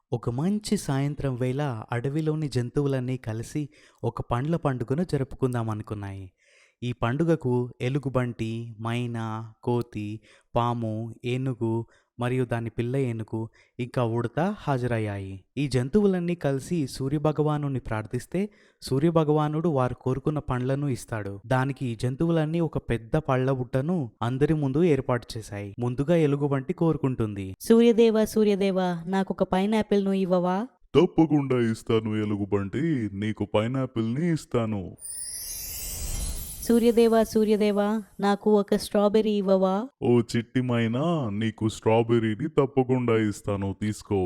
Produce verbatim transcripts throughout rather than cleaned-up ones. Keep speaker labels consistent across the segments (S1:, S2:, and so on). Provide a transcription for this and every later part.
S1: ఒక మంచి సాయంత్రం వేళ అడవిలోని జంతువులన్నీ కలిసి ఒక పండ్ల పండుగను జరుపుకుందామనుకున్నాయి. ఈ పండుగకు ఎలుగుబంటి, మైనా, కోతి, పాము, ఏనుగు మరియు దాని పిల్ల ఏనుగు ఇంకా ఉడత హాజరయ్యాయి. ఈ జంతువులన్నీ కలిసి సూర్యభగవానుని ప్రార్థిస్తే సూర్యభగవానుడు వారు కోరుకున్న పండ్లను ఇస్తాడు. దానికి ఈ జంతువులన్నీ ఒక పెద్ద పళ్ళ బుట్టను అందరి ముందు ఏర్పాటు చేశాయి. ముందుగా ఎలుగుబంటి కోరుకుంటుంది.
S2: సూర్యదేవా సూర్యదేవా నాకొక పైనాపిల్‌ను ఇవ్వవా?
S3: తప్పకుండా ఇస్తాను ఎలుగుబంటి. నీకు పైనాపిల్‌ని ఇస్తాను.
S2: సూర్యదేవా సూర్యదేవా నాకు ఒక స్ట్రాబెర్రీ ఇవ్వవా?
S3: ఓ చిట్టి మైనా, నీకు స్ట్రాబెర్రీని తప్పకుండా ఇస్తాను. తీసుకో.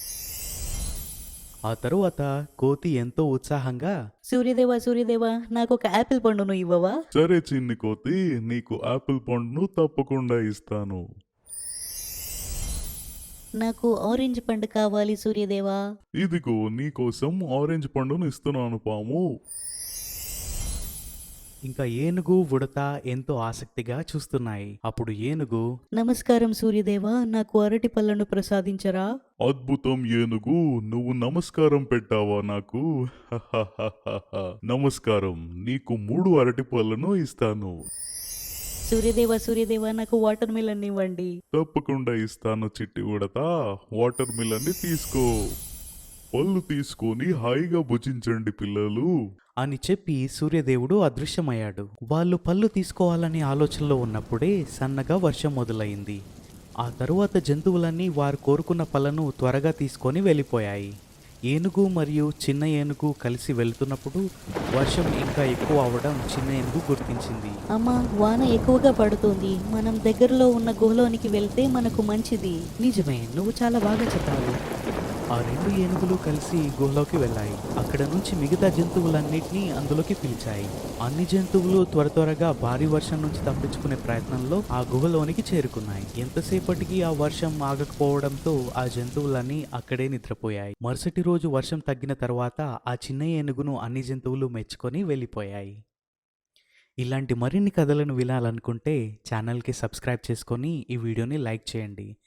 S1: ఆ తరువాత కోతి ఎంతో ఉత్సాహంగా
S2: సూర్యదేవా సూర్యదేవా నాకొక యాపిల్ పండును ఇవ్వవా?
S3: సరే చిన్ని కోతి, నీకు ఆపిల్ పండును తప్పకుండా ఇస్తాను.
S2: నాకు ఆరెంజ్ పండు కావాలి సూర్యదేవా.
S3: ఇదిగో నీకోసం ఆరెంజ్ పండును ఇస్తున్నాను పాము.
S1: ఇంకా ఏనుగు, ఉడత ఎంతో ఆసక్తిగా చూస్తున్నాయి. అప్పుడు ఏనుగు,
S2: నమస్కారం సూర్యదేవా నాకు అరటి పళ్ళను ప్రసాదించరా?
S3: అద్భుతం ఏనుగు, నువ్వు నమస్కారం పెట్టావా నాకు? హహహహహ. నమస్కారం, నీకు మూడు అరటి పళ్ళను ఇస్తాను.
S2: సూర్యదేవా సూర్యదేవా నాకు వాటర్ మిలన్ ఇవ్వండి.
S3: తప్పకుండా ఇస్తాను చిట్టి ఉడత. వాటర్ మిలన్ని తీసుకో. పళ్ళు తీసుకొని హాయిగా భుజించండి పిల్లలు.
S1: అని చెప్పి సూర్యదేవుడు అదృశ్యమయ్యాడు. వాళ్ళు పళ్ళు తీసుకోవాలనే ఆలోచనలో ఉన్నప్పుడే సన్నగా వర్షం మొదలైంది. ఆ తరువాత జంతువులన్నీ వారు కోరుకున్న పళ్ళను త్వరగా తీసుకొని వెళ్ళిపోయాయి. ఏనుగు మరియు చిన్న ఏనుగు కలిసి వెళ్తున్నప్పుడు వర్షం ఇంకా ఎక్కువ అవడం చిన్న ఏనుగు గుర్తించింది.
S2: అమ్మా వాన ఎక్కువగా పడుతుంది. మనం దగ్గరలో ఉన్న గుహలోనికి వెళ్తే మనకు మంచిది.
S1: నిజమే, నువ్వు చాలా బాగా చెప్పావు. ఆ రెండు ఏనుగులు కలిసి గుహలోకి వెళ్ళాయి. అక్కడ నుంచి మిగతా జంతువులన్నిటినీ అందులోకి పిలిచాయి. అన్ని జంతువులు త్వర త్వరగా భారీ వర్షం నుంచి తప్పించుకునే ప్రయత్నంలో ఆ గుహలోనికి చేరుకున్నాయి. ఎంతసేపటికి ఆ వర్షం ఆగకపోవడంతో ఆ జంతువులన్నీ అక్కడే నిద్రపోయాయి. మరుసటి రోజు వర్షం తగ్గిన తర్వాత ఆ చిన్న ఏనుగును అన్ని జంతువులు మెచ్చుకొని వెళ్ళిపోయాయి. ఇలాంటి మరిన్ని కథలను వినాలనుకుంటే ఛానల్కి సబ్స్క్రైబ్ చేసుకొని ఈ వీడియోని లైక్ చేయండి.